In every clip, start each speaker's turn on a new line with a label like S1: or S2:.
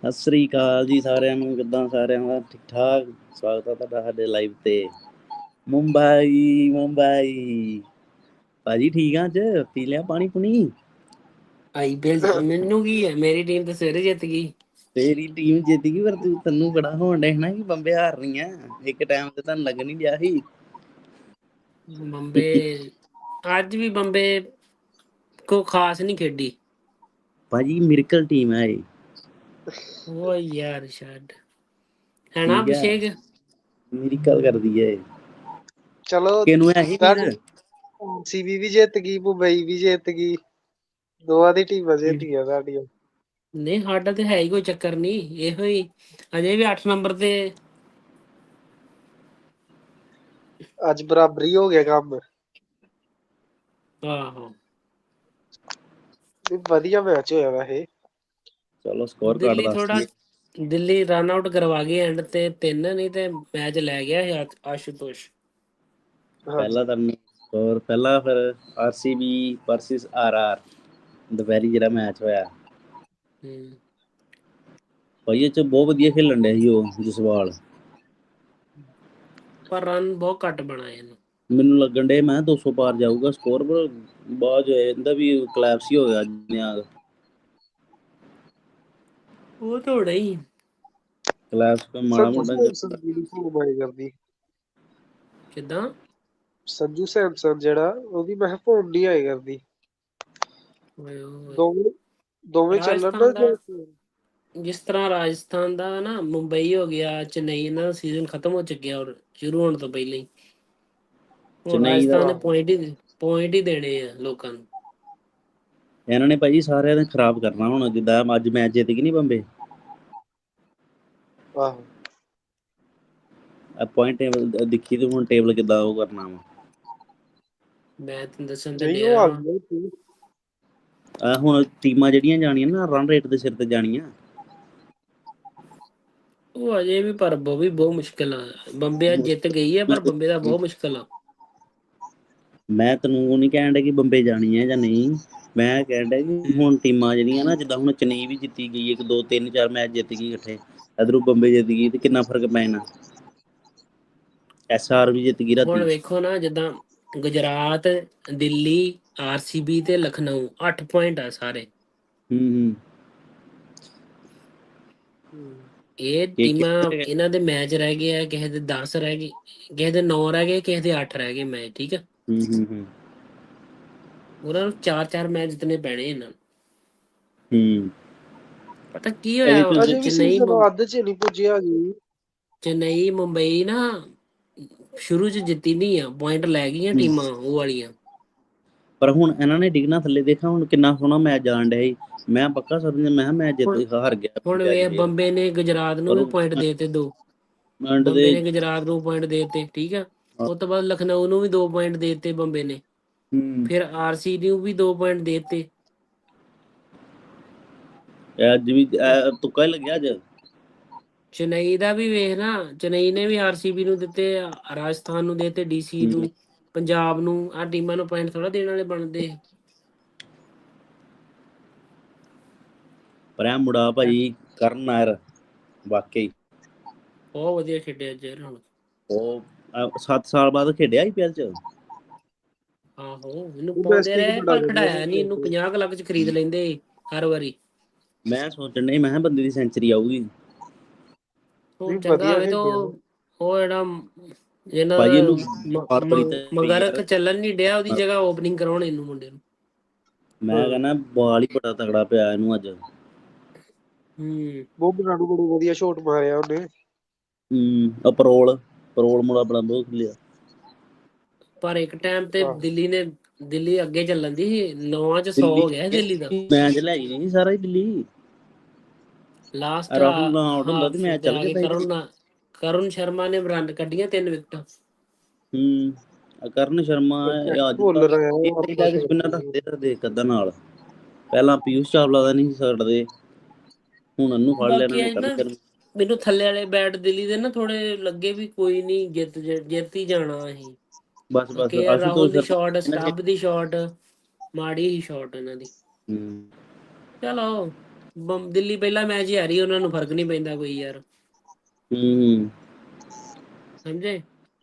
S1: ਸਤਿ ਸ੍ਰੀ ਅਕਾਲ ਜੀ ਸਾਰਿਆਂ ਨੂੰ। ਕਿੱਦਾਂ ਸਾਰਿਆਂ ਦਾ? ਠੀਕ ਠਾਕ। ਸਵਾਗਤ ਹੈ ਤੁਹਾਡਾ ਸਾਡੇ ਲਾਈਵ ਤੇ। ਮੁੰਬਈ ਭਾਜੀ ਠੀਕ ਆ? ਅੱਜ ਪੀ ਲਿਆ ਪਾਣੀ ਪੁਣੀ?
S2: ਆਈਪੀਐਲ ਮੈਨੂੰ ਕੀ ਹੈ, ਮੇਰੀ ਟੀਮ ਤਾਂ ਸਵੇਰੇ ਜਿੱਤ ਗਈ।
S1: ਤੇਰੀ ਟੀਮ ਜਿੱਤ ਗਈ, ਪਰ ਤੈਨੂੰ ਬੜਾ ਹੋਣ ਡਿਆ ਨਾ ਕਿ ਬੰਬੇ ਹਾਰ ਰਹੀ ਆ। ਇੱਕ ਟਾਈਮ ਤੇ ਤੁਹਾਨੂੰ ਲੱਗ ਨਹੀਂ ਰਿਹਾ ਸੀ
S2: ਬੰਬੇ ਅੱਜ ਵੀ ਬੰਬੇ ਕੋ ਖਾਸ ਨਹੀਂ ਖੇਡੀ
S1: ਭਾਜੀ। ਮਿਰਕਲ ਟੀਮ ਹੈ ਇਹ।
S2: ਉਹ ਯਾਰ ਛੱਡ, ਹੈ ਨਾ
S1: ਠੀਕ ਹੈ,
S2: ਅਭਿਸ਼ੇਕ?
S1: ਮਿਰਕਲ ਕਰਦੀ ਹੈ ਇਹ।
S3: ਚਲੋ
S1: ਕਿਹਨੂੰ ਹੈ ਹੀ ਵੀਰ?
S3: ਸੀਬੀ ਵੀ ਜਿੱਤ ਗਈ, ਮੁੰਬਈ ਵੀ ਜਿੱਤ ਗਈ, ਦੋਵਾਂ ਦੀ ਟੀਮਾਂ ਜਿੱਤ ਗਈਆਂ ਸਾਡੀਆਂ।
S2: ਨਹੀਂ, ਸਾਡਾ ਤੇ ਹੈ ਹੀ ਕੋਈ ਚੱਕਰ ਨਹੀਂ, ਇਹੋ ਹੀ ਅਜੇ ਵੀ 8 ਨੰਬਰ ਤੇ।
S3: ਅੱਜ ਬਰਾਬਰੀ ਹੋ ਗਿਆ ਕੰਮ।
S2: ਆਹੋ,
S3: ਵਧੀਆ ਮੈਚ ਹੋਇਆ ਵੈਸੇ।
S1: ਚਲੋ ਸਕੋਰ ਕਾਰਡ
S2: ਦਿੱਲੀ
S1: ਦੱਸ
S2: ਥੋੜਾ
S1: ਦਈਏ।
S2: ਦਿੱਲੀ ਰਨ ਆਊਟ ਕਰਵਾ ਗਈ ਐਂਡ ਤੇ 3, ਨਹੀਂ ਤੇ ਮੈਚ ਲੈ ਗਿਆ ਸੀ ਆਸ਼ੂਤੋਸ਼।
S1: ਪਹਿਲਾ ਤਾਂ ਸਕੋਰ ਪਹਿਲਾ, ਫਿਰ ਆਰਸੀਬੀ ਵਰਸਸ ਆਰਆਰ ਦੁਪਹਿਰੀ ਜਿਹੜਾ ਮੈਚ ਹੋਇਆ ਭਾਈ, ਇਹ ਚ ਬਹੁਤ ਵਧੀਆ ਖੇਲਣ ਡਿਆ ਸੀ ਉਹ ਜਸਵਾਲ।
S2: ਪਰ ਰਨ ਬਹੁਤ ਘੱਟ ਬਣਾਏ ਇਹਨੂੰ।
S1: ਮੈਨੂੰ ਲੱਗਣ ਡੇ ਮੈਂ 200 ਪਾਰ ਜਾਊਗਾ ਸਕੋਰ, ਪਰ ਬਾਅਦ ਇਹਦਾ ਵੀ ਕਲੈਪਸ ਹੀ ਹੋ ਗਿਆ ਅੱਜ।
S2: ਉਹ ਤਾਂ ਹੋਣਾ ਹੀ।
S1: ਕਲੈਪਸ ਪੇ ਮਾੜਾ ਮੋਟਾ
S3: ਕਰਦੀ
S2: ਕਿੱਦਾਂ?
S3: ਸੰਜੂ ਸੈਮਸਨ ਜਿਹੜਾ, ਉਹਦੀ ਮੈਂ ਫੋਨ ਨਹੀਂ ਆਈ ਕਰਦੀ। ਦੋਵੇਂ ਚੱਲਣ ਨਾ।
S2: ਰਾਜਸਥਾਨ ਦਾ ਜਿਸ ਤਰ੍ਹਾਂ ਰਾਜਸਥਾਨ ਦਾ ਨਾ, ਮੁੰਬਈ ਹੋ ਗਿਆ, ਚੇਨਈ, ਇਹਨਾਂ ਦਾ ਸੀਜ਼ਨ ਖਤਮ ਹੋ ਚੁੱਕਿਆ ਔਰ ਸ਼ੁਰੂ ਹੋਣ ਤੋਂ ਪਹਿਲਾਂ ਹੀ। ਹੁਣ
S1: ਚੇਨਈ ਦਾ
S2: ਰਾਜਸਥਾਨ ਨੇ ਪੁਆਇੰਟ ਹੀ ਦੇਣੇ ਆ ਲੋਕਾਂ ਨੂੰ।
S1: ਇਹਨਾਂ ਨੇ ਭਾਜੀ ਸਾਰਿਆਂ ਨੇ ਖਰਾਬ ਕਰਨਾ ਹੁਣ। ਜਿੱਦਾਂ ਅੱਜ ਮੈਚ ਜਿੱਤ ਗਈ ਨਹੀਂ ਬੰਬੇ,
S3: ਆਹੋ
S1: ਪੁਆਇੰਟ ਟੇਬਲ ਦੇਖੀ ਤੇ ਹੁਣ ਟੇਬਲ ਕਿੱਦਾਂ ਉਹ ਕਰਨਾ ਵਾ।
S2: ਮੈਂ ਤੈਨੂੰ ਦੱਸਣ ਤੇ
S3: ਨਹੀਂ, ਉਹ
S2: ਡਿਆ
S3: ਆ ਗਈ।
S1: ਹੁਣ ਟੀਮਾਂ ਜਿਹੜੀਆਂ ਜਾਣੀਆਂ ਨਾ ਰਨ ਰੇਟ ਦੇ ਸਿਰ ਤੇ ਜਾਣੀਆਂ।
S2: ਉਹ ਅਜੇ ਵੀ, ਪਰ ਉਹ ਵੀ ਬਹੁਤ ਮੁਸ਼ਕਿਲ ਆ। ਬੰਬੇ ਜਿੱਤ ਗਈ ਹੈ, ਪਰ ਬੰਬੇ ਦਾ ਬਹੁਤ ਮੁਸ਼ਕਿਲ ਆ।
S1: ਮੈਂ ਤੈਨੂੰ ਉਹ ਨਹੀਂ ਕਹਿਣ ਡਿਆ ਕਿ ਬੰਬੇ ਜਾਣੀ ਹੈ ਜਾਂ ਨਹੀਂ। ਮੈਂ ਕਹਿਣ ਡਿਆ ਕਿ ਹੁਣ ਟੀਮਾਂ ਜਿਹੜੀਆਂ ਨਾ, ਜਿੱਦਾਂ ਹੁਣ ਚੇਨਈ ਵੀ ਜਿੱਤੀ ਗਈ, 1 2 3 4 ਮੈਚ ਜਿੱਤ ਗਈ ਇਕੱਠੇ, ਇਧਰੋਂ ਬੰਬੇ ਜਿੱਤ ਗਈ, ਤੇ ਕਿੰਨਾ ਫਰਕ ਪੈ ਜਾਣਾ। ਐਸਆਰ ਵੀ ਜਿੱਤ ਗਈ ਰਾਤੀ।
S2: ਹੁਣ ਵੇਖੋ ਨਾ, ਜਿੱਦਾਂ ਗੁਜਰਾਤ, ਦਿੱਲੀ, ਆਰਸੀਬੀ ਤੇ ਲਖਨਊ 8 ਪੁਆਇੰਟ ਆ ਸਾਰੇ। ਇਹ ਟੀਮਾਂ, ਇਹਨਾਂ ਦੇ ਮੈਚ ਰਹਿ ਗਏ ਆ, ਕਿਸੇ ਦੇ 10 ਰਹਿ ਗਏ, ਕਿਸੇ ਦੇ 9 ਰਹਿ ਗਏ, ਕਿਸੇ ਦੇ 8 ਰਹਿ ਗਏ ਮੈਚ। ਠੀਕ ਆ, ਉਹਨਾਂ ਨੂੰ 4-4 ਮੈਚ ਜਿੱਤਣੇ ਪੈਣੇ ਇਹਨਾਂ ਨੂੰ। ਪਤਾ ਕੀ ਹੋਇਆ? ਚੇਨਈ ਮੁੰਬਈ ਨਾ ਸ਼ੁਰੂ ਚ ਜਿੱਤੀ ਨਹੀਂ ਆ, ਪੁਆਇੰਟ ਲੈ ਗਈਆਂ ਟੀਮਾਂ ਉਹ ਵਾਲੀਆਂ।
S1: ਪਰ ਹੁਣ ਇਹਨਾਂ ਨੇ ਡਿੱਗਣਾ ਥੱਲੇ। ਦੇਖਾ ਹੁਣ ਕਿੰਨਾ ਸੋਹਣਾ ਮੈਚ ਜਾਣ ਡਿਆ ਸੀ। ਮੈਂ ਪੱਕਾ ਸਮਝਦਾ, ਮੈਂ ਮੈਚ ਜਿੱਤ ਹਾਰ ਗਿਆ।
S2: ਹੁਣ ਵੇਖ, ਬੰਬੇ ਨੇ ਗੁਜਰਾਤ ਨੂੰ ਵੀ ਪੁਆਇੰਟ ਦੇਤੇ 2। ਬੰਬੇ ਨੇ ਗੁਜਰਾਤ ਨੂੰ ਪੁਆਇੰਟ ਦੇਤੇ, ਠੀਕ ਆ। ਉਸ ਤੋਂ ਬਾਅਦ ਲਖਨਊ ਨੂੰ ਵੀ 2 ਪੁਆਇੰਟ ਦੇਤੇ ਬੰਬੇ ਨੇ। ਫਿਰ ਆਰਸੀ ਨੂੰ ਵੀ 2 ਪੁਆਇੰਟ ਦੇਤੇ।
S1: ਅੱਜ ਵੀ ਤੁੱਕਾ ਹੀ ਲੱਗਿਆ ਅੱਜ।
S2: ਚੇਨਈ ਦਾ ਵੀ ਵੇਖ ਨਾ, ਚੇਨਈ ਨੇ ਵੀ ਆਰਸੀਬੀ ਨੂੰ ਦਿੱਤੇ, ਰਾਜਸਥਾਨ ਨੂੰ ਦੇਤੇ, ਡੀਸੀ ਨੂੰ, ਪੰਜਾਬ ਨੂੰ। ਆਹ ਟੀਮਾਂ ਨੂੰ ਪੁਆਇੰਟ ਥੋੜਾ ਦੇਣ ਵਾਲੇ ਬਣਦੇ।
S1: ਪਰ ਇਹ ਮੁੰਡਾ ਭਾਜੀ ਕਰਨ ਨਾਇਰ ਵਾਕਈ
S2: ਬਹੁਤ ਵਧੀਆ ਖੇਡਿਆ ਜਰ। ਹੁਣ
S1: ਉਹ 7 ਸਾਲ ਬਾਅਦ ਖੇਡਿਆ ਆਈਪੀਐਲ ਚ।
S2: ਆਹੋ, ਇਹਨੂੰ ਪਾਉਂਦੇ ਰਹੇ, ਪਰ ਖੜਾਇਆ ਨਹੀਂ ਇਹਨੂੰ। 50 ਲੱਖ ਚ ਖਰੀਦ ਲੈਂਦੇ ਹਰ ਵਾਰੀ।
S1: ਮੈਂ ਸੋਚਣ ਡਿਆ, ਮੈਂ ਕਿਹਾ ਬੰਦੇ ਦੀ ਸੈਂਚਰੀ ਆਊਗੀ।
S2: ਉਹ ਚੰਗਾ ਹੋਵੇ ਤਾਂ ਉਹ ਜਿਹੜਾ ਇਹਨਾਂ
S1: ਭਾਜੀ ਇਹਨੂੰ
S2: ਮਗਰ ਚੱਲਣ ਨਹੀਂ ਡਿਆ, ਉਹਦੀ ਜਗ੍ਹਾ ਓਪਨਿੰਗ ਕਰਾਉਣ ਇਹਨੂੰ ਮੁੰਡੇ ਨੂੰ।
S1: ਮੈਂ ਕਹਿੰਦਾ ਬਾਲ ਹੀ ਬੜਾ ਤਗੜਾ ਪਿਆ ਇਹਨੂੰ ਅੱਜ।
S3: ਬੁਮਰਾਹ ਨੂੰ ਬੜਾ ਵਧੀਆ ਸ਼ਾਟ ਮਾਰਿਆ ਉਹਨੇ।
S1: ਪਰੋਲ ਮੁੰਡਾ ਬੜਾ ਬਹੁਤ ਖੇਲਿਆ।
S2: ਪਰ ਇੱਕ ਟਾਈਮ ਤੇ ਦਿੱਲੀ ਅੱਗੇ ਚੱਲਣ ਦੀ ਸੀ, 9 ਚ 100 ਹੋ ਗਿਆ ਦਿੱਲੀ ਦਾ
S1: ਮੈਚ ਲੈ ਗਈ ਨਹੀਂ ਸਾਰਾ ਹੀ ਦਿੱਲੀ।
S2: ਲਾਸਟ
S1: ਰਾਹੁਲ ਨਾਲ ਆਊਟ ਹੁੰਦਾ ਤੇ ਮੈਚ ਚੱਲ
S2: ਗਿਆ। ਕਰੁਣ ਸ਼ਰਮਾ ਨੇ ਰਨ ਕੱਢੀਆਂ 3 ਵਿਕਟਾਂ।
S1: ਕਰਨ ਸ਼ਰਮਾ ਦੱਸਦੇ ਕਦਾਂ ਨਾਲ। ਪਹਿਲਾਂ ਪਿਊਸ਼ ਚਾਵਲਾ ਦਾ ਨਹੀਂ ਛੱਡਦੇ, ਹੁਣ ਇਹਨੂੰ ਫੜ ਲਿਆ ਇਹਨਾਂ ਨੇ।
S2: ਮੈਨੂੰ ਥੱਲੇ ਵਾਲੇ ਬੈਟ ਦਿੱਲੀ ਦੇ ਨਾ ਥੋੜੇ ਲੱਗੇ ਵੀ ਕੋਈ ਨਹੀਂ, ਜਿੱਤ ਹੀ ਜਾਣਾ ਅਸੀਂ।
S1: ਬਸ
S2: ਰਾਹੁਲ ਦੀ ਸ਼ਾਟ, ਸਟੰਪ ਦੀ ਸ਼ਾਟ ਮਾੜੀ ਹੀ ਸ਼ਾਟ ਇਹਨਾਂ ਦੀ।
S1: ਚਲੋ
S2: ਦਿੱਲੀ ਪਹਿਲਾ ਮੈਚ ਹੀ ਹਾਰੀ, ਉਹਨਾਂ ਨੂੰ ਫਰਕ ਨਹੀਂ ਪੈਂਦਾ ਕੋਈ ਯਾਰ, ਸਮਝੇ।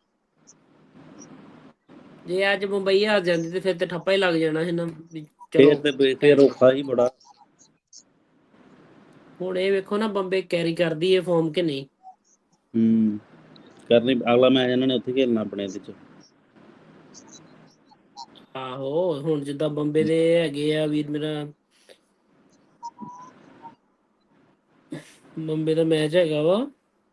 S2: ਜੇ ਅੱਜ ਮੁੰਬਈ ਹਾਰ ਜਾਂਦੀ ਤੇ ਫਿਰ ਤੇ ਠੱਪਾ ਹੀ ਲੱਗ ਜਾਣਾ ਸੀ ਨਾ ਵੀ ਚਲੋ
S1: ਫਿਰ ਔਖਾ ਹੀ ਬੜਾ।
S2: ਹੁਣ ਇਹ ਵੇਖੋ ਨਾ ਬੰਬੇ ਕੈਰੀ ਕਰਦੀ ਹੈ ਫਾਰਮ ਕਿ ਨਹੀਂ।
S1: ਕਰਨੀ, ਅਗਲਾ ਮੈਚ ਇਹਨਾਂ ਨੇ ਉੱਥੇ ਖੇਲਣਾ ਆਪਣੇ ਇਹਦੇ ਚ।
S2: ਆਹੋ ਹੁਣ ਜਿੱਦਾਂ ਬੰਬੇ ਦੇ ਹੈਗੇ ਆ ਵੀਰ ਮੇਰਾ, ਬੰਬੇ ਦਾ ਮੈਚ ਹੈਗਾ ਵਾ,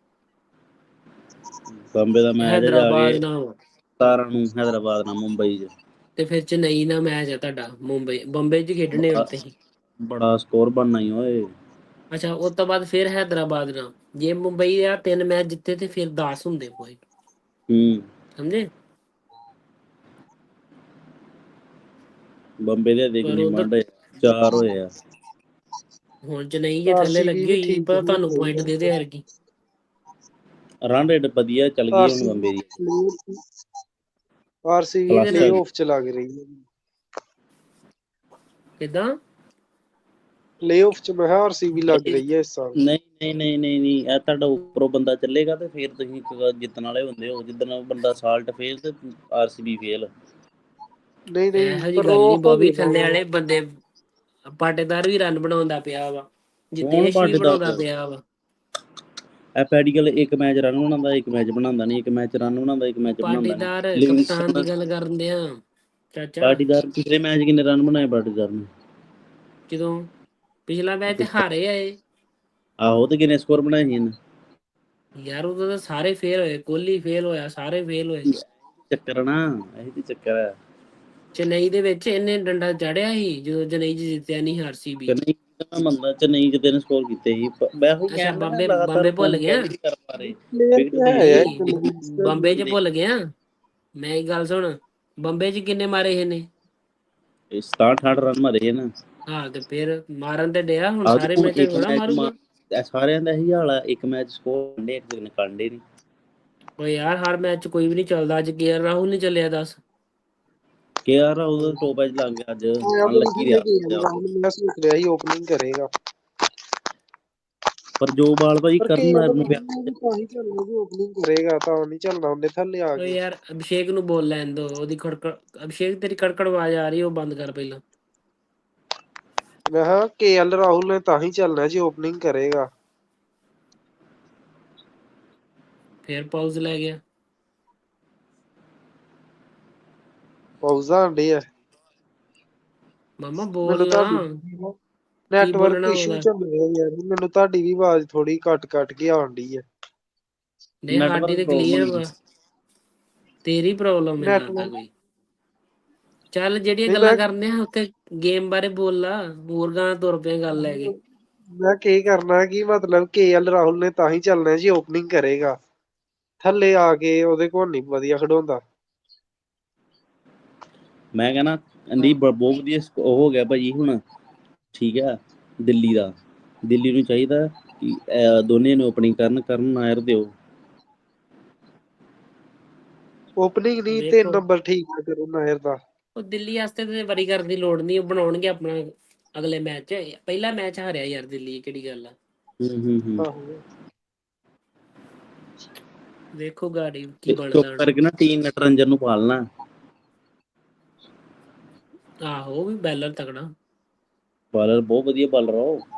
S1: ਬੰਬੇ ਦਾ ਮੈਚ ਹੈ ਜਾ
S2: ਹੈਦਰਾਬਾਦ
S1: ਕੇ
S2: ਨਾਲ
S1: 17 ਨੂੰ, ਹੈਦਰਾਬਾਦ ਨਾਲ ਮੁੰਬਈ ਚ।
S2: ਤੇ ਫਿਰ ਚੇਨਈ ਨਾਲ ਮੈਚ ਹੈ ਤੁਹਾਡਾ, ਬੰਬੇ ਚ ਖੇਡਣੇ ਹੁਣ ਤੁਸੀਂ।
S1: ਬੜਾ ਸਕੋਰ ਬਣਨਾ ਈ ਓਏ।
S2: ਅੱਛਾ ਉਸ ਤੋਂ ਬਾਅਦ ਫਿਰ ਹੈਦਰਾਬਾਦ ਨਾਲ, ਜੇ ਮੁੰਬਈ ਆ 3 ਮੈਚ ਜਿੱਤੇ ਤੇ ਫਿਰ 10 ਹੁੰਦੇ ਪੁਆਇੰਟ, ਸਮਝੇ।
S1: ਬੰਬੇ ਦੇ ਦੇ
S2: ਪਰ
S1: ਕਿੰਨੀ
S2: ਉਧਰ
S1: ਵੰਡ 4 ਹੋਏ ਆ।
S2: ਹੁਣ ਚੇਨਈ ਜੇ ਥੱਲੇ
S3: ਆਰਸੀਬੀ
S2: ਲੱਗੀ
S3: ਵੀ
S2: ਹੋਈ
S3: ਠੀਕ
S2: ਪਤਾ
S3: ਨਹੀਂ
S2: ਤੁਹਾਨੂੰ ਪੁਆਇੰਟ
S3: ਰਹੀ।
S2: ਦੇ ਦੇ ਹਰ ਕੀ।
S1: ਰਨ ਰੇਟ ਵਧੀਆ ਚੱਲ ਗਈ ਹੁਣ ਬੰਬੇ ਦੀ।
S3: ਆਰਸੀਬੀ
S2: ਕਿਹਦੇ
S3: ਪਲੇ
S2: ਨਾਲ
S3: ਆਫ ਚ ਲੱਗ ਰਹੀ ਹੈ।
S2: ਕਿੱਦਾਂ?
S3: ਪਲੇ ਆਫ ਚ ਮੈਂ ਕਿਹਾ ਆਰਸੀਬੀ ਲੱਗ ਰਹੀ ਹੈ ਇਸ ਸਾਲ।
S1: ਨਹੀਂ, ਇਹ ਤੁਹਾਡਾ ਉੱਪਰੋਂ ਬੰਦਾ ਚੱਲੇਗਾ ਤੇ ਫਿਰ ਤੁਸੀਂ ਜਿੱਤਣ ਵਾਲੇ ਹੁੰਦੇ ਹੋ। ਜਿੱਦਣ ਬੰਦਾ ਸਾਲਟ ਫੇਲ ਤੇ ਆਰਸੀਬੀ ਫੇਲ।
S3: ਨਹੀਂ
S2: ਇਹੋ ਜਿਹੀ
S3: ਪਰ
S2: ਗੱਲ ਨੀ,
S3: ਉਹ ਹੋ
S2: ਬੋਬੀ
S3: ਗਏ
S2: ਥੱਲੇ ਵਾਲੇ ਬੰਦੇ, ਪਾਟੇਦਾਰ ਵੀ ਰਨ ਬਣਾਉਂਦਾ ਪਿਆ ਵਾ,
S1: ਕੌਣ
S2: ਜਿਤੇਸ਼ ਵੀ ਬਣਾਉਂਦਾ
S1: ਪਾਟੇਦਾਰ?
S2: ਪਿਆ ਵਾ।
S1: ਇਹ ਪੈਡੀਕਲ ਇੱਕ ਮੈਚ ਰਨ ਬਣਾਉਂਦਾ, ਇੱਕ ਮੈਚ ਬਣਾਉਂਦਾ ਨਹੀਂ, ਇੱਕ ਮੈਚ ਰਨ ਬਣਾਉਂਦਾ, ਇੱਕ ਮੈਚ ਬਣਾਉਂਦਾ ਨਹੀਂ।
S2: ਪਾਟੇਦਾਰ ਕਪਤਾਨ
S1: ਲਿਵਿੰਗਸਟਨ
S2: ਦੀ ਗੱਲ ਕਰਨ ਦਿਆਂ ਚਾਚਾ।
S1: ਪਾਟੀਦਾਰ ਪਿਛਲੇ ਮੈਚ ਕਿੰਨੇ ਰਨ ਬਣਾਏ ਪਾਟੀਦਾਰ ਨੇ?
S2: ਜਦੋਂ ਪਿਛਲਾ ਮੈਚ ਹਾਰੇ ਆਏ।
S1: ਆਹੋ ਤੇ ਕਿੰਨੇ ਸਕੋਰ ਬਣਾਏ ਸੀ ਇਹਨੇ?
S2: ਯਾਰ ਉਦੋਂ ਤਾਂ ਸਾਰੇ ਫੇਲ ਹੋਏ, ਕੋਹਲੀ ਫੇਲ ਹੋਇਆ, ਸਾਰੇ ਫੇਲ ਹੋਏ।
S1: ਚੱਕਰ ਨਾ ਇਹੀ ਤੇ ਚੱਕਰ ਹੈ।
S2: ਚੇਨਈ ਦੇ ਵਿੱਚ ਇਹਨੇ ਡੰਡਾ ਚਾੜਿਆ ਸੀ ਜਦੋਂ ਚੇਨਈ ਚ ਜਿੱਤਿਆ ਨਹੀਂ ਆਰਸੀਬੀ।
S1: ਮੰਨਦਾ ਚੇਨਈ ਚ 3 ਸਕੋਰ ਕੀਤੇ ਸੀ, ਮੈਂ ਉਹੀ
S2: ਅੱਛਾ
S1: ਕਹਿਣ ਡਿਆ ਲਗਾਤਾਰ
S2: ਬੰਬੇ ਭੁੱਲ
S1: ਫੋਮ
S2: ਗਿਆ,
S1: ਕੈਰੀ ਨਹੀਂ ਕਰ ਪਾ ਰਹੇ।
S3: ਪਲੇਅਰ
S1: ਵਿਕਟ
S3: ਤੇ
S1: ਦੇ
S3: ਹੈ
S2: ਨਹੀਂ ਬੰਬੇ ਚ
S1: ਦਿੰਦੇ
S2: ਭੁੱਲ ਗਿਆ। ਮੈਂ ਇੱਕ ਗੱਲ ਸੁਣ, ਬੰਬੇ ਚ ਕਿੰਨੇ ਮਾਰੇ ਇਹਨੇ?
S1: 67 68 ਰਨ ਮਾਰੇ ਹੈ ਨਾ।
S2: ਹਾਂ ਤੇ ਫਿਰ ਮਾਰਨ ਤੇ ਡਿਆ, ਹੁਣ
S1: ਆਹ ਤੇ
S2: ਸਾਰੇ
S1: ਹੁਣ
S2: ਮੈਚਾਂ
S1: ਇੱਕ
S2: ਥੋੜਾ
S1: ਮੈਚ
S2: ਮਾਰੂਗਾ।
S1: ਸਾਰਿਆਂ ਦਾ ਇਹੀ ਹਾਲ ਆ, ਇੱਕ ਮੈਚ ਸਕੋਰ ਕੰਡੇ ਇੱਕ ਦਿਨ ਕਾਂਡੇ ਨਹੀਂ।
S2: ਓ ਯਾਰ ਹਰ ਮੈਚ ਚ ਕੋਈ ਵੀ ਨਹੀਂ ਚੱਲਦਾ, ਅੱਜ ਰਾਹੁਲ ਨਹੀਂ ਚੱਲਿਆ ਦੱਸ।
S1: ਉਹਦਾ ਟੋਪ ਐਜ ਲੱਗ ਗਿਆ ਅੱਜ, ਅਨਲੱਕੀ ਰਿਹਾ
S3: ਮੈਂ ਸੋਚ ਰਿਹਾ ਸੀ ਓਪਨਿੰਗ ਕਰੇਗਾ।
S1: ਪਰ ਜੋ ਬਾਲ ਭਾਈ
S3: ਪਰ
S1: ਕਰਨ ਨਾਇਰ ਨੂੰ ਪਿਆ।
S3: ਤਾਂ ਹੀ ਚੱਲਣਾ ਜੀ, ਓਪਨਿੰਗ ਕਰੇਗਾ ਤਾਂ ਨਹੀਂ ਚੱਲਣਾ ਉਹਨੇ ਥੱਲੇ ਆ
S2: ਓ
S3: ਕੇ।
S2: ਯਾਰ ਅਭਿਸ਼ੇਕ ਨੂੰ ਬੋਲ ਲੈਣ ਦੋ, ਉਹਦੀ ਖੜਕੜ, ਅਭਿਸ਼ੇਕ ਤੇਰੀ ਕੜਕੜ ਆਵਾਜ਼ ਆ ਰਹੀ, ਉਹ ਬੰਦ ਕਰ ਪਹਿਲਾਂ।
S3: ਮੈਂ ਕਿਹਾ KL ਰਾਹੁਲ ਨੇ ਤਾਂ ਹੀ ਚੱਲਣਾ ਜੀ, ਓਪਨਿੰਗ ਕਰੇਗਾ।
S2: ਫਿਰ ਪਾਉਜ਼ ਲੈ ਗਿਆ।
S3: ਪਾਉਜ਼ਾ ਆਂਡੇ ਆ।
S2: ਮਾਮਾ
S3: ਮੈਨੂੰ
S2: ਬੋਲ ਨਾ,
S3: ਤੁਹਾਡੀ
S2: ਕੀ
S3: ਨੈਟਵਰਕ
S2: ਬੋਲਣਾ
S3: ਇਸ਼ੂ
S2: ਉਹਦਾ।
S3: ਚੱਲ ਰਿਹਾ ਯਾਰ, ਮੈਨੂੰ ਤੁਹਾਡੀ ਵੀ ਆਵਾਜ਼ ਥੋੜੀ ਕੱਟ ਕੇ ਆਉਣ ਡਈ ਹੈ।
S2: ਨਹੀਂ ਸਾਡੀ
S1: ਨੈਟਵਰਕ
S2: ਤੇ
S1: ਪ੍ਰੋਬਲਮ
S2: ਕਲੀਅਰ
S1: ਹੋਈ।
S2: ਵਾ, ਤੇਰੀ ਪ੍ਰੋਬਲਮ ਮੈਨੂੰ ਲੱਗਦਾ
S3: ਨੈਟਵਰਕ
S2: ਕੋਈ। ਚੱਲ ਜਿਹੜੀਆਂ
S3: ਨਹੀਂ
S2: ਗੱਲਾਂ ਕਰਨੇ ਆ ਉੱਥੇ ਗੇਮ ਬਾਰੇ ਬੋਲ ਲਾ, ਹੋਰ ਗਾਂ ਤੁਰ ਪਏ ਗੱਲ ਲੈ ਕੇ।
S3: ਮੈਂ ਕੀ ਕਰਨਾ ਕਿ ਮਤਲਬ KL ਰਾਹੁਲ ਨੇ ਤਾਂ ਹੀ ਚੱਲਣਾ ਜੀ, ਓਪਨਿੰਗ ਕਰੇਗਾ। ਥੱਲੇ ਆ ਕੇ ਉਹਦੇ ਕੋਲ ਨਹੀਂ ਵਧੀਆ ਖਿਡਾਉਂਦਾ।
S1: ਮੈਂ ਕਹਿੰਦਾ ਬਹੁਤ ਵਧੀਆ ਉਹ ਹੋ ਗਿਆ ਭਾਜੀ ਹੁਣ, ਠੀਕ ਹੈ ਦਿੱਲੀ ਦਾ। ਦਿੱਲੀ ਨੂੰ ਚਾਹੀਦਾ ਕਿ ਦੋਨੇ ਨੂੰ ਓਪਨਿੰਗ ਕਰਨ ਨਾਇਰ ਦਿਓ।
S3: ਓਪਨਿੰਗ ਨਹੀਂ, 3
S2: ਵੇਖੋ
S3: ਨੰਬਰ ਠੀਕ ਹੈ ਕਰੋ ਨਾਇਰ ਦਾ।
S2: ਉਹ ਦਿੱਲੀ ਵਾਸਤੇ ਤੇ ਵਰੀ ਕਰਨ ਦੀ ਲੋੜ ਨਹੀਂ, ਉਹ ਬਣਾਉਣਗੇ ਆਪਣਾ ਅਗਲੇ ਮੈਚ ਚ। ਪਹਿਲਾ ਮੈਚ ਹਾਰਿਆ ਯਾਰ ਦਿੱਲੀ, ਕਿਹੜੀ ਗੱਲ ਆ।
S3: ਆਹੋ
S2: ਵੇਖੋ ਗਾੜੀ ਕੀ
S1: ਚੁੱਪ
S2: ਬਣਦਾ ਹੁਣ।
S1: ਕਰਕੇ ਨਾ ਟੀਮ ਨਟਰੰਜਨ ਨੂੰ ਪਾਲਣਾ।
S2: ਆਹੋ ਉਹ ਵੀ ਬੈਲਰ ਤਗੜਾ।
S1: ਬਾਲਰ ਬਹੁਤ ਵਧੀਆ ਬਾਲਰ ਆ ਉਹ।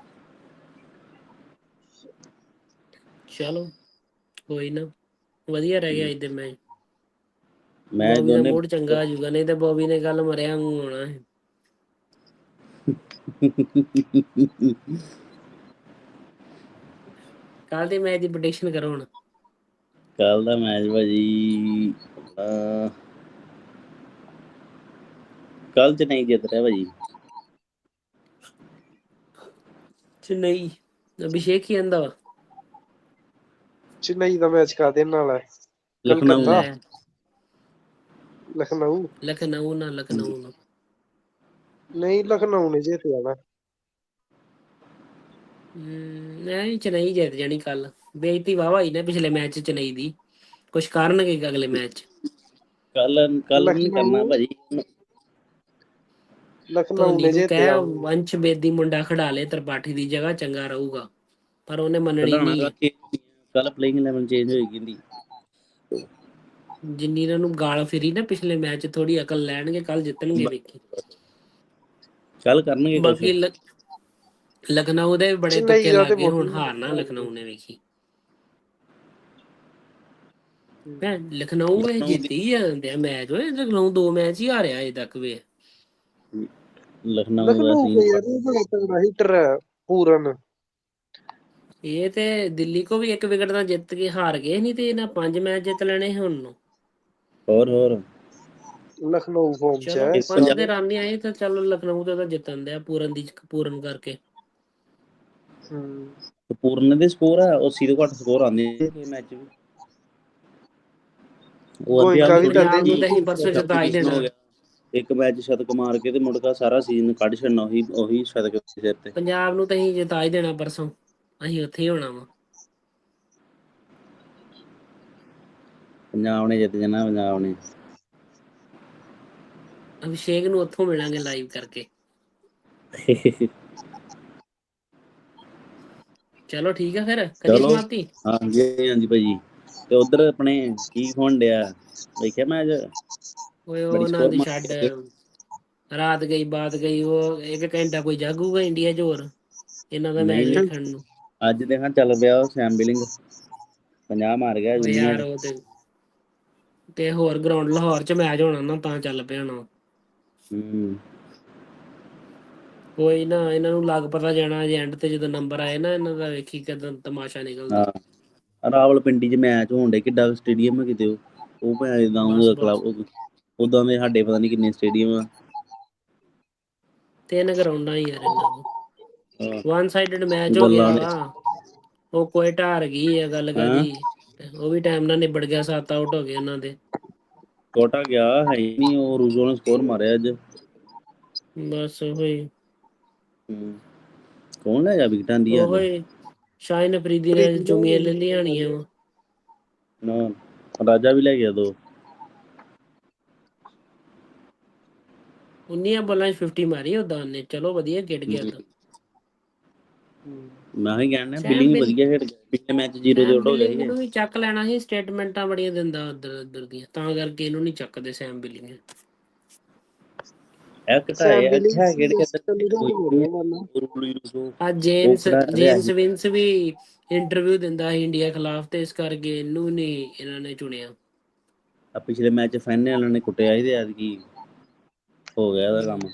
S2: ਚਲੋ ਕੋਈ ਨਾ, ਵਧੀਆ ਰਹਿ ਗਿਆ ਅੱਜ ਦੇ ਮੈਚ।
S1: ਮੈਚ
S2: ਬੋਬੀ ਦਾ
S1: ਦੋਨੇ
S2: ਮੂਡ ਚੰਗਾ ਹੋਜੂਗਾ, ਨਹੀਂ ਤੇ ਬੋਬੀ ਨੇ ਕੱਲ ਮਰਿਆ ਵਾਂਗੂ ਆਉਣਾ ਸੀ। ਕੱਲ ਦੇ ਮੈਚ ਦੀ ਪ੍ਰਡਿਕਸ਼ਨ ਕਰੋ ਹੁਣ।
S1: ਕੱਲ ਦਾ ਮੈਚ ਭਾਜੀ ਕੱਲ ਚੇਨਈ ਜਿੱਤ ਰਿਹਾ ਭਾਜੀ।
S2: ਚੇਨਈ, ਅਭਿਸ਼ੇਕ ਕੀ ਕਹਿੰਦਾ ਵਾ?
S3: ਚੇਨਈ ਦਾ ਮੈਚ ਕਾਹਦੇ ਨਾਲ ਹੈ?
S1: ਲਖਨਊ
S3: ਕਲਕੱਤਾ,
S2: ਲੈ
S3: ਲਖਨਊ।
S2: ਲਖਨਊ ਨਾ।
S3: ਨਹੀਂ ਲਖਨਊ ਨੇ ਜਿੱਤ ਜਾਣਾ।
S2: ਨਹੀਂ ਚੇਨਈ ਜਿੱਤ ਜਾਣੀ ਕੱਲ। ਬੇਇੱਜ਼ਤੀ ਵਾਹਵਾ ਹੋਈ ਨਾ ਪਿਛਲੇ ਮੈਚ ਚ ਚੇਨਈ ਦੀ, ਕੁਛ ਕਰਨਗੇ ਅਗਲੇ ਮੈਚ ਚ।
S1: ਕੱਲ ਨੀ ਕਰਨਾ
S3: ਲਖਨਊ
S1: ਭਾਜੀ।
S3: ਲਖਨਊ
S2: ਧੋਨੀ
S3: ਨੇ
S2: ਨੂੰ
S3: ਜਿੱਤੇ
S2: ਕਹਿ
S3: ਆ
S2: ਵੰਸ਼ ਬੇਦੀ ਮੁੰਡਾ ਖੜਾ ਲੇ ਤ੍ਰਿਪਾਠੀ ਦੀ ਜਗ੍ਹਾ, ਚੰਗਾ ਰਹੂਗਾ, ਪਰ ਉਹਨੇ ਮੰਨਣੀ
S1: ਕਢਾਣਾ
S2: ਨਹੀਂ ਹੈ।
S1: ਕੱਲ ਪਲੇਇੰਗ 11 ਚੇਂਜ ਹੋਏਗੀ ਇਹਦੀ।
S2: ਜਿੰਨੀ ਇਹਨਾਂ ਨੂੰ ਗਾਲ ਫਿਰੀ ਨਾ ਪਿਛਲੇ ਮੈਚ, ਥੋੜੀ ਅਕਲ ਲੈਣਗੇ, ਕੱਲ ਜਿੱਤਣਗੇ ਵੇਖੀ।
S1: ਕੱਲ ਕਰਨਗੇ ਕੁਛ।
S2: ਬਾਕੀ ਲਖਨਊ ਦੇ ਵੀ ਬੜੇ
S3: ਚੇਨਈ
S2: ਤੁੱਕੇ
S3: ਦਾ
S2: ਲੱਗ
S3: ਤੇ
S2: ਗਏ, ਹੁਣ
S3: ਮੋਦੀ
S2: ਹਾਰਨਾ ਲਖਨਊ ਨੇ ਵੇਖੀ। ਲਖਨਊ ਵੇ ਜਿੱਤੀ ਜਾਂਦੇ ਆ ਮੈਚ, ਓਏ ਲਖਨਊ 2 ਮੈਚ ਹੀ ਹਾਰਿਆ ਅਜੇ ਤੱਕ ਵੇ।
S3: ਲਖਨਊ
S1: ਸੀਨ
S3: ਕੇ ਯਾਰ ਇਹ ਬੜਾ ਤਗੜਾ ਹਿੱਟਰ ਹੈ ਪੂਰਨ।
S2: ਇਹ ਤੇ ਦਿੱਲੀ ਕੋ ਵੀ 1 ਵਿਕਟ ਨਾਲ ਜਿੱਤ ਕੇ ਹਾਰ ਗਏ ਨਹੀਂ, ਤੇ ਇਹਨਾਂ 5 ਮੈਚ ਜਿੱਤ ਲੈਣੇ ਹੁਣ ਨੂੰ।
S1: ਹੋਰ
S3: ਲਖਨਊ ਫੋਮ ਚ
S2: ਚਲੋ
S3: ਹੈ ਇਸ
S2: 5
S3: ਸਾਲ।
S2: ਦੇ ਰਨ ਹੀ ਆਏ, ਤਾਂ ਚਲੋ ਲਖਨਊ ਤੇ ਤਾਂ ਜਿੱਤਣ ਦਿਆ ਪੂਰਨ ਕਰਕੇ।
S1: ਪੂਰਨ ਦੇ ਸਕੋਰ ਹੈ 80 ਤੋਂ ਘੱਟ ਸਕੋਰ ਆਉਂਦੇ ਮੈਚ ਵੀ। ਉਹ ਅੱਧੇ
S3: ਗੋਇੰਕਾ
S1: ਆਂਦੇ
S3: ਵੀ
S1: ਥੋੜੀ
S3: ਕਹਿੰਦੇ
S2: ਪੰਜਾਬ
S3: ਸੀ
S2: ਨੂੰ ਤਾਂ ਅਸੀਂ
S3: ਠੀਕ
S2: ਪਰਸੋਂ
S3: ਹੈ।
S2: ਜਿਤਾ ਹੀ
S1: ਹੋ
S2: ਦੇਣਾ।
S1: ਗਿਆ। ਇੱਕ ਮੈਚ ਸ਼ਤਕ ਮਾਰ ਕੇ ਤੇ ਮੁੜਕਾ ਸਾਰਾ ਸੀਜ਼ਨ ਕੱਢ ਛੱਡਣਾ, ਉਹੀ ਸ਼ਤਕ ਸਿਰ ਤੇ।
S2: ਪੰਜਾਬ ਨੂੰ ਤਾਂ ਅਸੀਂ ਜਿਤਾ ਹੀ ਦੇਣਾ ਪਰਸੋਂ, ਅਸੀਂ ਉੱਥੇ ਹੀ ਹੋਣਾ ਵਾ।
S1: ਪੰਜਾਬ ਨੇ ਜਿੱਤ ਜਾਣਾ, ਪੰਜਾਬ ਨੇ।
S2: ਅਭਿਸ਼ੇਕ ਨੂੰ ਉੱਥੋਂ ਮਿਲਾਂਗੇ ਲਾਈਵ ਕਰਕੇ। ਚਲੋ ਠੀਕ ਆ ਫਿਰ, ਕਰੀਏ
S1: ਚਲੋ
S2: ਸਮਾਪਤੀ।
S1: ਹਾਂਜੀ ਭਾਜੀ। ਤੇ ਉਧਰ ਆਪਣੇ ਕੀ ਹੋਣ ਡਿਆ, ਵੇਖਿਆ ਮੈਚ?
S2: ਓਏ
S1: ਬੜੀ
S2: ਉਹਨਾਂ
S1: ਸਕੋਰ
S2: ਦੀ ਛੱਡ,
S1: ਮਾਰ
S2: ਰਾਤ ਗਈ ਬਾਤ ਗਈ, ਉਹ 1 ਘੰਟਾ ਕੋਈ ਜਾਗੂਗਾ ਇੰਡੀਆ 'ਚ ਹੋਰ ਇਹਨਾਂ ਦਾ ਮੈਚ
S1: ਨਹੀਂ
S2: ਵੇਖਣ ਨੂੰ।
S1: ਅੱਜ ਦੇ ਚੱਲ ਪਿਆ ਸੈਮ ਬਿਲਿੰਗ, 50 ਮਾਰ ਗਿਆ
S2: ਉਹ
S1: ਦੁਨੀਆ
S2: ਯਾਰ
S1: 'ਚ।
S2: ਉਹ ਤੇ ਹੋਰ ਗਰਾਊਂਡ ਲਾਹੌਰ 'ਚ ਮੈਚ ਹੋਣਾ ਨਾ, ਤਾਂ ਚੱਲ ਪਿਆ ਹੋਣਾ। ਕੋਈ ਨਾ, ਇਹਨਾਂ ਨੂੰ ਲੱਗ ਪਤਾ ਜਾਣਾ ਐਂਡ ਤੇ, ਜਦੋਂ ਨੰਬਰ ਆਏ ਨਾ ਇਹਨਾਂ ਦਾ, ਵੇਖੀ ਕਿਦਾਂ ਤਮਾਸ਼ਾ ਨਿਕਲਦਾ।
S1: ਰਾਵਲਪਿੰਡੀ 'ਚ ਮੈਚ ਹੋਣ ਡੇ, ਕਿੱਡਾ ਸਟੇਡੀਅਮ ਹੈ ਕਿਤੇ ਉਹ
S2: ਬਸ ਬਸ
S1: ਕਲੱਬ ਓਦਾਂ ਦੇ ਸਾਡੇ ਪਤਾ ਨੀ ਕਿੰਨੇ ਸਟੇਡੀਅਮ ਆ।
S2: 3 ਗਰਾਊਂਡਾਂ ਯਾਰ ਇਹਨਾਂ ਕੋਲ,
S1: ਹਾਂ,
S2: 1 ਸਾਈਡਡ ਮੈਚ ਹੋ
S1: ਗੱਲਾਂ
S2: ਗਿਆ
S1: ਨੇ।
S2: ਵਾ। ਉਹ ਕੁਇਟਾ ਹਾਰ ਗਈ ਆ, ਗੱਲ
S1: ਹੈਂ
S2: ਕਾਦੀ, ਉਹ ਵੀ ਟਾਈਮ ਨਾਲ ਨਿਬੜ ਗਿਆ, 7 ਆਊਟ ਹੋ ਗਏ ਉਹਨਾਂ ਦੇ।
S1: ਕੋਟਾ ਗਿਆ ਹੈ ਹੀ ਨੀ, ਉਹ ਰੂਜ਼ੋ ਨੇ ਸਕੋਰ ਮਾਰਿਆ ਅੱਜ।
S2: ਬਸ ਉਹੀ
S1: ਕੌਣ ਲੈ ਗਿਆ ਵਿਕਟਾਂ ਦੀ ਅੱਜ?
S2: ਉਹੀ ਸ਼ਾਹੀਨ ਅਫਰੀਦੀ ਨੇ ਚੁੰਮੀਆਂ ਲੈ ਲਈਆਂ ਹੋਣੀਆਂ ਵਾ।
S1: ਨਾ ਰਾਜਾ ਵੀ ਲੈ ਗਿਆ 2।
S2: 19 ਬਾਲਾਂ 'ਚ 50 ਮਾਰੀ ਓਦਾਂ ਉਹਨੇ, ਚਲੋ ਵਧੀਆ ਖੇਡ ਗਿਆ ਓਦਾਂ।
S1: ਮੈਂ ਹੀ ਕਹਿਣ ਡਿਆ
S2: ਸੈਮ
S1: ਬਿਲਿੰਗ
S2: ਬਿਲ
S1: ਵਧੀਆ ਖੇਡ ਗਿਆ, ਪਿਛਲੇ ਮੈਚ 0 ਦੇ
S2: ਸੈਮ
S1: ਆਊਟ ਹੋ ਗਿਆ
S2: ਬਿਲਿੰਗ
S1: ਸੀ।
S2: ਨੂੰ ਵੀ ਚੱਕ ਲੈਣਾ ਸੀ, ਸਟੇਟਮੈਂਟਾਂ ਬੜੀਆਂ ਦਿੰਦਾ ਉੱਧਰ ਦੀਆਂ, ਤਾਂ ਕਰਕੇ ਇਹਨੂੰ ਨੀ ਚੱਕਦੇ ਸੈਮ ਬਿਲਿੰਗ।
S1: ਇਹ ਘਟਾਏ
S3: ਸੈਮ ਬਿਲਿੰਗ
S1: ਹੈ ਕਿਹੜੇ
S3: ਹੋ ਰਿਹਾ ਮੈਨੂੰ।
S2: ਆ
S1: ਉਹ ਖੜਾ ਰਿਹਾ
S2: ਜੇਮਸ
S1: ਸੀ।
S2: ਵਿੰਸ ਵੀ ਇੰਟਰਵਿਊ ਦਿੰਦਾ ਸੀ ਇੰਡੀਆ ਖਿਲਾਫ, ਤੇ ਇਸ ਕਰਕੇ ਇਹਨੂੰ ਨੀ ਇਹਨਾਂ ਨੇ ਚੁਣਿਆ।
S1: ਪਿਛਲੇ ਮੈਚ ਫੈਨੇ ਵਾਲਿਆਂ ਨੇ ਕੁੱਟਿਆ ਸੀ, ਤੇ ਐਤਕੀ ਹੋ ਗਿਆ ਇਹਦਾ ਕੰਮ।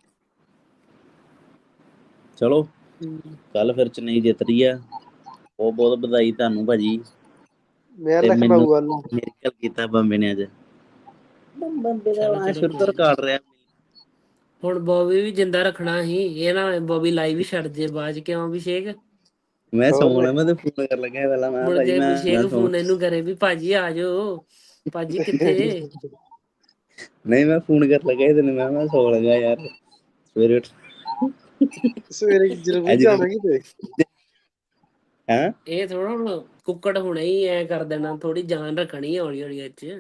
S1: ਚਲੋ ਕੱਲ ਫਿਰ ਚੇਨਈ ਜਿੱਤ ਰਹੀ ਆ, ਬਹੁਤ ਬਹੁਤ ਵਧਾਈ ਤੁਹਾਨੂੰ ਭਾਜੀ।
S3: ਮੈਂ
S1: ਤੇ ਮੈਨੂੰ
S3: ਲਖਨਊ ਵੱਲ ਨੂੰ।
S1: ਮਿਰਕਲ ਕੀਤਾ ਬੰਬੇ ਨੇ ਅੱਜ। ਬੰਬੇ
S2: ਚਲੋ
S1: ਦਾ
S2: ਚਲੋ
S1: ਸ਼ੁਰੂ ਤੋਂ
S2: ਕੋਈ ਨੀ,
S1: ਰਿਕਾਰਡ ਰਿਹਾ।
S2: ਹੁਣ ਬੋਬੀ ਵੀ ਜਿੰਦਾ ਰੱਖਣਾ ਸੀ, ਇਹ ਨਾ ਬੋਬੀ ਲਾਈਵ ਵੀ ਛੱਡ ਜੇ ਬਾਅਦ 'ਚ, ਕਿਉਂ ਅਭਿਸ਼ੇਕ?
S1: ਮੈਂ
S3: ਹੋਰ
S1: ਸੌਣਾ, ਮੈਂ ਤੇ ਫੋਨ ਕਰਨ ਲੱਗਿਆ ਪਹਿਲਾਂ, ਮੈਂ
S2: ਮੁੜ
S1: ਭਾਜੀ
S2: ਕੇ
S1: ਮੈਂ
S2: ਅਭਿਸ਼ੇਕ
S1: ਸੌਣਾ।
S2: ਫੋਨ ਇਹਨੂੰ ਕਰੇ ਵੀ ਭਾਜੀ ਆ ਜਾਓ, ਭਾਜੀ ਕਿੱਥੇ?
S1: ਨਹੀਂ ਮੈਂ ਫੋਨ ਕਰਨ ਲੱਗਾ ਸੀ ਤੈਨੂੰ, ਮੈਂ ਸੌਣ ਲੱਗਾ ਯਾਰ ਸਵੇਰੇ
S3: ਸਵੇਰੇ ਜ਼ਰੂਰੀ
S1: ਅੱਜ
S3: ਜਾਣਾ ਕਿਤੇ?
S1: ਹੈਂ
S2: ਇਹ ਥੋੜਾ ਹੁਣ ਕੁੱਕੜ ਹੁਣੇ ਹੀ ਐ ਕਰ ਦੇਣਾ, ਥੋੜੀ ਜਾਨ ਰੱਖਣੀ ਹੌਲੀ ਹੌਲੀ ਇਹ 'ਚ।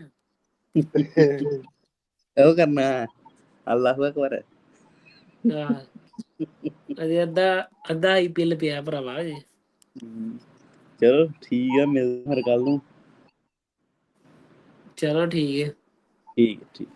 S1: ਉਹ ਕਰਨਾ ਅੱਲਾਹੂ ਅਕਬਰ।
S2: ਆਹ ਅਜੇ ਅੱਧਾ IPL ਪਿਆ ਭਰਾਵਾ ਅਜੇ।
S1: ਚਲੋ ਠੀਕ ਆ, ਮਿਲਦੇ ਫਿਰ ਕੱਲ ਨੂੰ।
S2: ਚਲੋ ਠੀਕ ਹੈ।
S1: ਠੀਕ ਹੈ ਠੀਕ।